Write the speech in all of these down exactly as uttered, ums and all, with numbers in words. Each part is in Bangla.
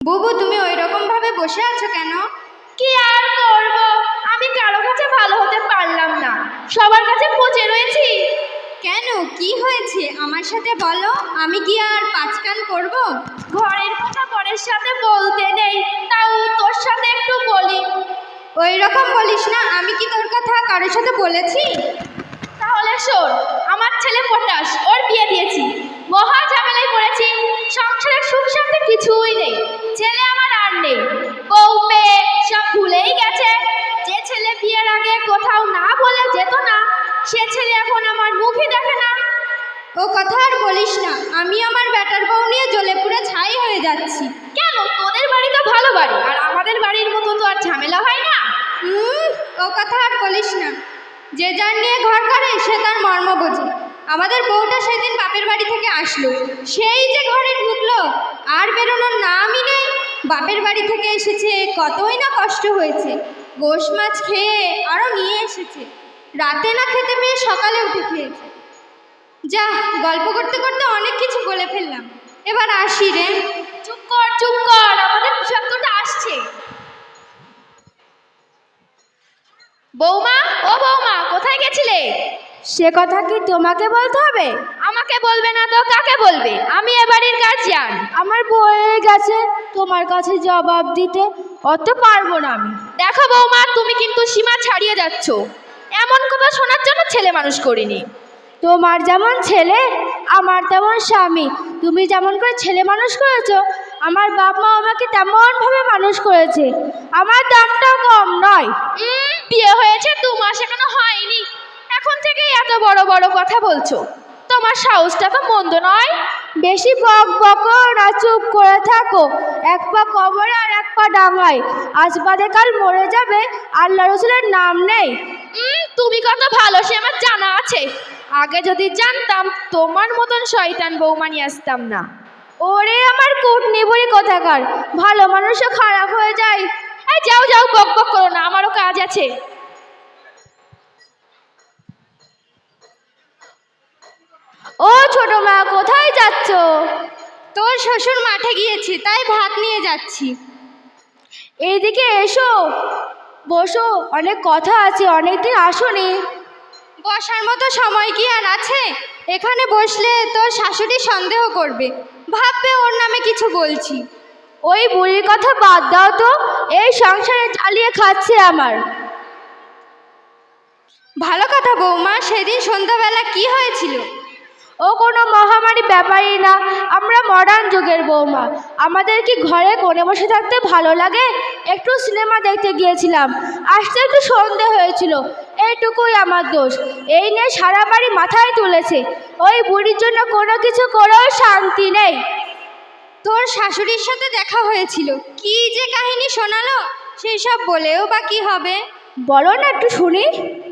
বুবু, তুমি ওই রকম ভাবে বসে আছো কেন? কি আর করব, আমি কারো কাছে ভালো হতে পারলাম না, সবার কাছে পচে রয়েছি। কেন, কি হয়েছে আমার সাথে বলো, আমি কি আর পাঁচকান করব? ঘরের কথা পরের সাথে বলতে নেই, তাও তোর সাথে একটু বলি। ওই রকম বলিস না, আমি কি তোর কথা কারোর সাথে বলেছি? তাহলে শোন, আমার ছেলে পটাশ, ওর বিয়ে দিয়েছি, মহা ঝামেলায় পড়েছি, সংসারের সুখ শান্তি কিছুই নেই, ছেলে আমার আর নেই, বউ পেয়ে সব ভুলেই গেছে। যে ছেলে বিয়ের আগে কোথাও না বলে যেত না, সে ছেলে এখন আমার মুখই দেখে না। ও কথা আর বলিস না, আমি আমার ব্যাটার বউ নিয়ে জ্বলে পুড়ে ছাই হয়ে যাচ্ছি। কেন, তোদের বাড়ি তো ভালো বাড়ি, আর আমাদের বাড়ির মতো তো আর ঝামেলা হয় না। হুম, ও কথা আর বলিস না, যে যার নিয়ে ঘর করে সে তার মর্ম বোঝে। আমাদের বউটা সেদিন বাপের বাড়ি থেকে আসলো, সেই যে ঘরে ঢুকলো, আর বেরোনোর নামই নেই। বাপের বাড়ি থেকে এসেছে, কতই না কষ্ট হয়েছে, গোশ মাছ খেয়ে আরও নিয়ে এসেছে, রাতে না খেতে পেয়ে সকালে উঠে খেয়েছে। যা, গল্প করতে করতে অনেক কিছু বলে ফেললাম, এবার আসি রে। চুপ কর চুপ কর, আমাদের বিষাক্তটা আসছে। বৌমা, ও বৌমা, কোথায় গেছিলে? সে কথা কি তোমাকে বলতে হবে? আমাকে বলবে না তো কাকে বলবে? আমি এ বাড়ির গার্জিয়ান। আমার বয়ে গেছে তোমার কাছে জবাব দিতে, অত পারবো না আমি। দেখো বৌমা, তুমি কিন্তু সীমা ছাড়িয়ে যাচ্ছ, এমন কথা শোনার জন্য ছেলে মানুষ করিনি। তোমার যেমন ছেলে আমার তেমন স্বামী, তুমি যেমন করে ছেলে মানুষ করেছো, আমার বাপ মা আমাকে তেমনভাবে মানুষ করেছে, আমার দামটাও কম নয়। উম, বিয়ে হয়েছে দু মাস এখনো হয়নি, এখন থেকে এত বড় বড় কথা বলছো? তোমার সাহসটা তো মন্দ নয়। বেশি বক বকো না, চুপ করে থাকো। এক পা কবরে আর এক পা ডাঙায়, আজ বাদে কাল মরে যাবে, আল্লাহ রসুলের নাম নেই। উম, তুমি কত ভালো সে আমার জানা আছে, আগে যদি জানতাম তোমার মতন শয়তান বৌমা নিয়ে আসতাম না। ওরে আমার কুটনিবুড়ি কোথাকার, ভালো মানুষও খারাপ হয়ে যায়। এই যাও যাও, বক বক করো না, আমারও কাজ আছে। ও ছোট মা, কোথায় যাচ্ছ? তোর শ্বশুর মাঠে গিয়েছে, তাই ভাত নিয়ে যাচ্ছি। এইদিকে এসো, বসো, অনেক কথা আছে, অনেকদিন আসোনি। বসার মতো সময় কি আর আছে? এখানে বসলে তোর শাশুড়ি সন্দেহ করবে, ভাববে ওর নামে কিছু বলছি। ওই বুড়ির কথা বাদ দাও তো, এই সংসারে চালিয়ে খাচ্ছে আমার। ভালো কথা বৌমা, সেদিন সন্ধ্যাবেলা কি হয়েছিল? ও কোনো মহামারী ব্যাপারই না, আমরা মডার্ন যুগের বৌমা, আমাদের কি ঘরে কোণে বসে থাকতে ভালো লাগে? একটু সিনেমা দেখতে গিয়েছিলাম, আসতে একটু সন্ধে হয়েছিল, এইটুকুই আমার দোষ। এই নিয়ে সারা বাড়ি মাথায় তুলেছে, ওই বুড়ির জন্য কোনো কিছু করেও শান্তি নেই। তোর শাশুড়ির সাথে দেখা হয়েছিল, কি যে কাহিনী শোনালো, সেই সব বলেও বা কি হবে? বলো না, একটু শুনি।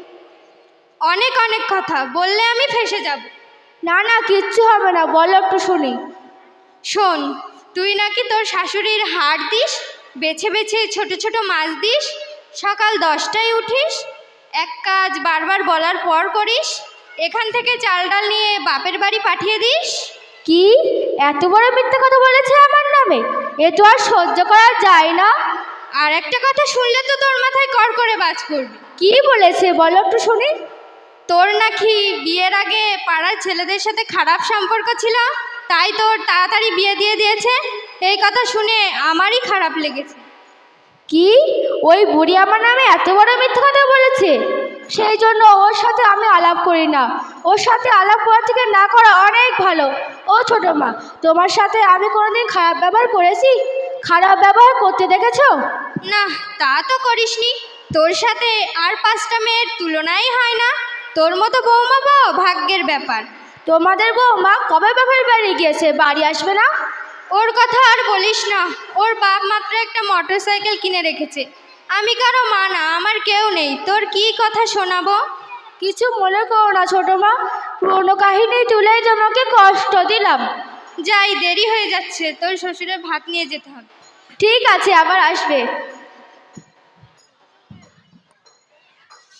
অনেক অনেক কথা বললে আমি ফেঁসে যাব। না না, কিচ্ছু হবে না, বলো একটু শুনি। শোন, তুই নাকি তোর শাশুড়ির হাড় দিস, বেছে বেছে ছোট ছোট মাছ দিস, সকাল দশটায় উঠিস, এক কাজ বারবার বলার পর করিস, এখান থেকে চাল ডাল নিয়ে বাপের বাড়ি পাঠিয়ে দিস। কি এত বড় মিথ্যা কথা বলেছে আমার নামে? এ তো আর সহ্য করা যায় না। আর একটা কথা শুনলে তো তোর মাথায় কর করে বাজ পড়বে। কি বলেছে বলো একটু শুনি। তোর নাকি বিয়ের আগে পাড়ার ছেলেদের সাথে খারাপ সম্পর্ক ছিল, তাই তোর তাড়াতাড়ি বিয়ে দিয়ে দিয়েছে। এই কথা শুনে আমারই খারাপ লেগেছে। কি, ওই বুড়ি আমার নামে এত বড় মিথ্যা কথা বলেছে? সেই জন্য ওর সাথে আমি আলাপ করি না, ওর সাথে আলাপ করা থেকে না করা অনেক ভালো। ও ছোট মা, তোমার সাথে আমি কোনোদিন খারাপ ব্যবহার করেছি? খারাপ ব্যবহার করতে দেখেছো? না, তা তো করিসনি। তোর সাথে আর পাঁচটা মেয়ের তুলনাই হয় না। তোর মতো বৌমা পাওয়া ভাগ্যের ব্যাপার। তোমাদের বৌমা কবে বাপের বাড়ি গিয়েছে, বাড়ি আসবে না? ওর কথা আর বলিস না, ওর বাপ মাত্র একটা মোটর সাইকেল কিনে রেখেছে। আমি কারো মা না, আমার কেউ নেই, তোর কি কথা শোনাবো? কিছু মনে করো না ছোট মা, পুরোনো কাহিনী তুলে তোমাকে কষ্ট দিলাম। যাই, দেরি হয়ে যাচ্ছে, তোর শ্বশুরের ভাত নিয়ে যেতে হবে। ঠিক আছে, আবার আসবে।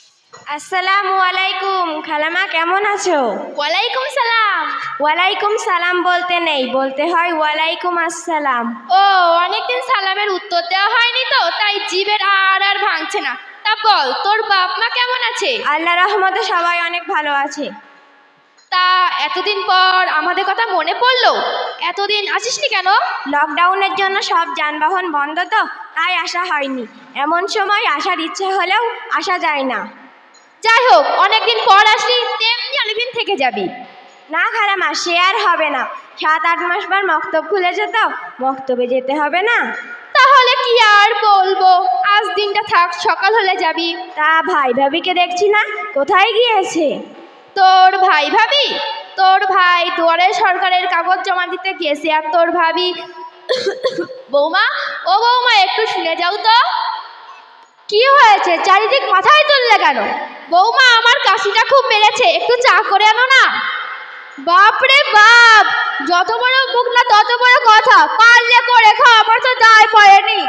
আসসালামু আলাইকুম। খালামা কেমন আছো? ওয়ালাইকুম সালাম। ওয়ালাইকুম সালাম বলতে নেই, বলতে হয় ওয়ালাইকুম আসসালাম। ও, অনেকদিন সালামের উত্তর দেওয়া হয়নি তো, তাই জিভের আর আর ভাঙছে না। তা বল, তোর বাপ মা কেমন আছে? আল্লাহ রহমতে সবাই অনেক ভালো আছে। তা এতদিন পর আমাদের কথা মনে পড়লো, এতদিন আসিসনি কেন? লকডাউনের জন্য সব যানবাহন বন্ধ তো, তাই আসা হয়নি। এমন সময় আসার ইচ্ছে হলেও আসা যায় না। যাই হোক, অনেকদিন পর আসলি, তেমনি অনেকদিন থেকে যাবি। না খালামা, সে আর হবে না। সাত আট মাস পর মক্তব খুলেছে তো, মক্তবে যেতে হবে না। তাহলে কি আর বলবো, আজ দিনটা থাক, সকাল হলে যাবি। তা ভাই ভাবিকে দেখছি না, কোথায় গিয়েছে? তোর ভাই ভাবি? তোর ভাই দুয়ারে সরকারের কাগজ জমা দিতে গেছে, আর তোর ভাবি বৌমা, ও বৌমা, একটু শুনে যাও তো। কি হয়েছে? চারিদিক মাথায় তুললে কেন? বৌমা, আমার কাশিটা খুব বেড়েছে, একটু চা করে আনো না। বাপরে বাপ, যত বড় মুখ না তত বড় কথা। পারলে করে খাও, আমার তো দায় পড়েনি।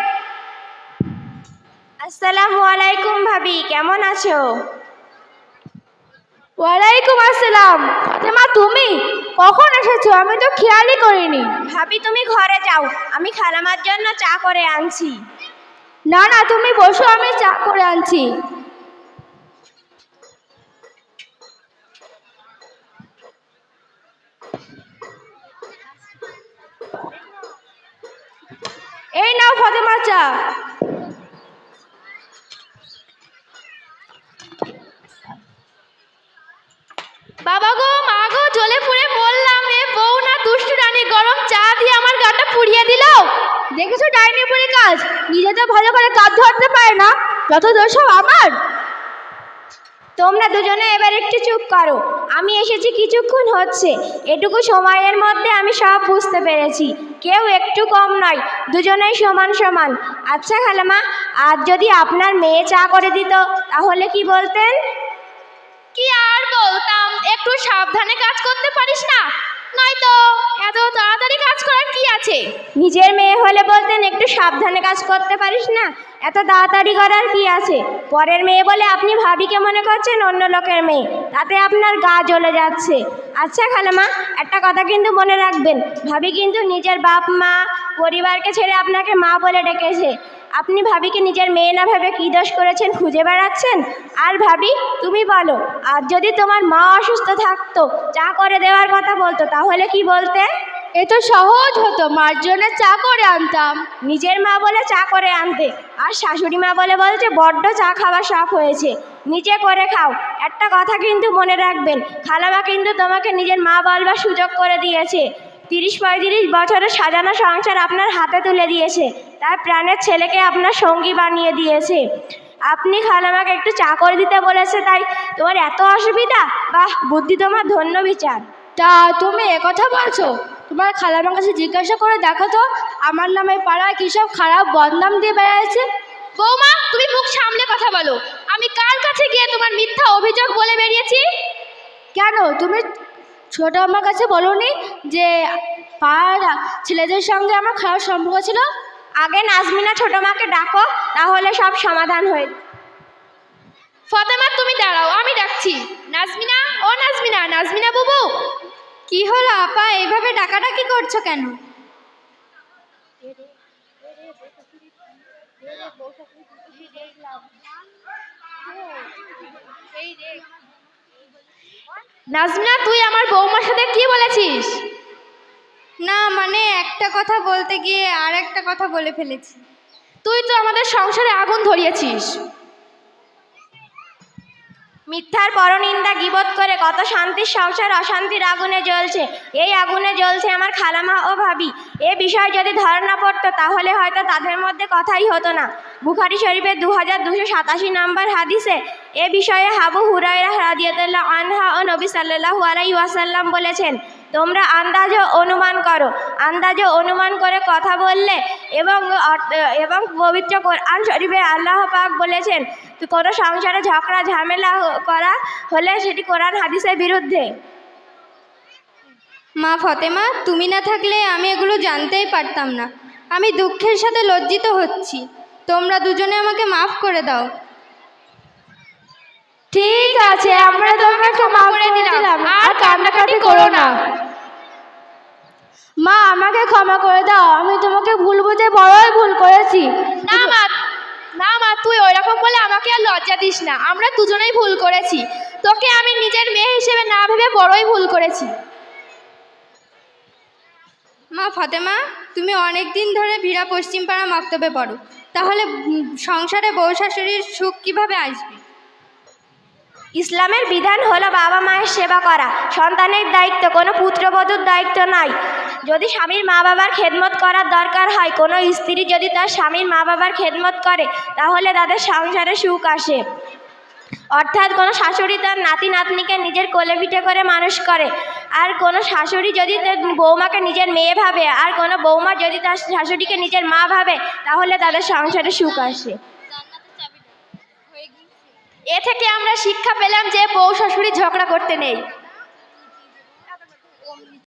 আসসালামু আলাইকুম ভাবি, কেমন আছো? ওয়ালাইকুম আসসালাম। ফাতেমা, তুমি কখন এসেছো? আমি তো খেয়ালই করিনি। ভাবি তুমি ঘরে যাও, আমি খালামার জন্য চা করে আনছি। না না, তুমি বসো, আমি চা করে আনছি। এই নাও ফাতেমা চা। বাবা গো, মা গো, জ্বলে পুড়ে মরলাম। এ বউ না দুষ্টু রানী গরম চা দিয়ে আমার গাটা পুড়িয়ে দিল। দেখেছো ডাইনি বুড়ি কাজ, নিজে তো ভালো করে কাজ ধরতে পারে না, যত দোষ সব আমার। তোমরা দুজনে এবার একটু চুপ করো। আমি এসেছি কিছুক্ষণ হচ্ছে, এটুকু সময়ের মধ্যে আমি সব বুঝতে পেরেছি। কেউ একটু কম নয়, দুজনেই সমান সমান। আচ্ছা খালামা, আজ যদি আপনার মেয়ে চা করে দিত তাহলে কি বলতেন? কি আর বলতাম, একটু সাবধানে কাজ করতে পারিস না? নয়তো এত তাড়াতাড়ি কাজ করার কি আছে? নিজের মেয়ে হলে বলতেন একটু সাবধানে কাজ করতে পারিস না, এত তাড়াতাড়ি করার কি আছে? পরের মেয়ে বলে আপনি ভাবিকে মনে করছেন অন্য লোকের মেয়ে, তাতে আপনার গা জ্বলে যাচ্ছে। আচ্ছা খালামা, একটা কথা কিন্তু মনে রাখবেন, ভাবি কিন্তু নিজের বাপ মা পরিবারকে ছেড়ে আপনাকে মা বলে ডেকেছে। আপনি ভাবিকে নিজের মেয়ে না ভেবে কী দোষ করেছেন খুঁজে বেড়াচ্ছেন। আর ভাবি, তুমি বলো, আর যদি তোমার মা অসুস্থ থাকতো, চা করে দেওয়ার কথা বলতো, তাহলে কি বলতে? এ তো সহজ হতো, মার জন্য চা করে আনতাম। নিজের মা বলে চা করে আনতে, আর শাশুড়ি মা বলে বলছে বড্ড চা খাওয়ার শখ হয়েছে, নিজে করে খাও। একটা কথা কিন্তু মনে রাখবেন, খালামা কিন্তু তোমাকে নিজের মা বলবার সুযোগ করে দিয়েছে। তিরিশ পঁয়ত্রিশ বছরের সাজানো সংসার আপনার হাতে তুলে দিয়েছে, তার প্রাণের ছেলেকে আপনার সঙ্গী বানিয়ে দিয়েছে। আপনি খালামাকে একটু চা করে দিতে বলেছে, তাই তোমার এত অসুবিধা? বাহ, বুদ্ধি তোমার, ধন্য বিচার। তা তুমি একথা বলছো? তোমার খালামার কাছে জিজ্ঞাসা করে দেখো তো, আমার নামে পাড়ায় কী সব খারাপ বদনাম দিয়ে বেড়াচ্ছে। বৌমা, তুমি মুখ সামলে কথা বলো। আমি কার কাছে গিয়ে তোমার মিথ্যা অভিযোগ বলে বেরিয়েছি? কেন, তুমি ছোট আমার কাছে বলোনি যে পাড়ার ছেলেদের সঙ্গে আমার খারাপ সম্পর্ক ছিল? আগে নাজমিনা ছোট মাকে ডাকো, তাহলে সব সমাধান হয়ে। ফাতেমা, তুমি দাঁড়াও, আমি ডাকছি। নাজমিনা, ও নাজমিনা, নাজমিনা বুবু। কি হলো আপা, এইভাবে ডাকাডাকি করছো কেন? নাজমিনা, তুই আমার বৌমার সাথে কি বলেছিস? না মানে একটা কথা বলতে গিয়ে আর একটা কথা বলে ফেলেছি। তুই তো আমাদের সংসারে আগুন ধরিয়েছিস। মিথ্যার পরনিন্দা গীবত করে কত শান্তির সংসার অশান্তির আগুনে জ্বলছে। এই আগুনে জ্বলছে আমার খালামা ও ভাবি। এ বিষয় যদি ধরা পড়তো তাহলে হয়তো তাদের মধ্যে কথাই হতো না। বুখারী শরীফের দু হাজার দুশো সাতাশি নম্বর হাদিসে এ বিষয়ে আবু হুরায়রা রাদিয়াল্লাহু আনহু ও নবী সাল্লাল্লাহু আলাইহি ওয়াসাল্লাম বলেছেন, তোমরা আন্দাজ ও অনুমান করো, আন্দাজ ও অনুমান করে কথা বললে এবং এবং পবিত্র কোরআন শরীফে আল্লাহ পাক বলেছেন, কোনো সংসারে ঝগড়া ঝামেলা করা হলে সেটি কোরআন হাদিসের বিরুদ্ধে। মা ফতেমা, তুমি না থাকলে আমি এগুলো জানতেই পারতাম না। আমি দুঃখের সাথে লজ্জিত হচ্ছি। তোমরা দুজনে আমাকে মাফ করে দাও। ঠিক আছে, আমরা তোমাকে ক্ষমা করে দিলাম, আর কান্নাকাটি করো না। মা, আমাকে ক্ষমা করে দাও, আমি তোমাকে ভুল বুঝে বড়ই ভুল করেছি। না মা, না মা, তুই ওইরকম বলে আমাকে আর লজ্জা দিস না। আমরা দুজনেই ভুল করেছি। তোকে আমি নিজের মেয়ে হিসেবে না ভেবে বড়ই ভুল করেছি। মা ফাতেমা, তুমি অনেক দিন ধরে ভিড়া পশ্চিমপাড়া মক্তবে পড়ো, তাহলে উম, সংসারে বউ শাশুড়ির সুখ কিভাবে আসবে? ইসলামের বিধান হলো বাবা মায়ের সেবা করা সন্তানের দায়িত্ব, কোনো পুত্রবধূর দায়িত্ব নয়। যদি স্বামীর মা বাবার খেদমত করার দরকার হয়, কোনো স্ত্রী যদি তার স্বামীর মা বাবার খেদমত করে, তাহলে তাদের সংসারে সুখ আসে। অর্থাৎ কোনো শাশুড়ি তার নাতি নাতনিকে নিজের কোলে পিঠে করে মানুষ করে, আর কোনো শাশুড়ি যদি তার বৌমাকে নিজের মেয়ে ভাবে, আর কোনো বৌমা যদি তার শাশুড়িকে নিজের মা ভাবে, তাহলে তাদের সংসারে সুখ আসে। এ থেকে আমরা শিক্ষা পেলাম যে বউ শাশুড়ি ঝগড়া করতে নেই।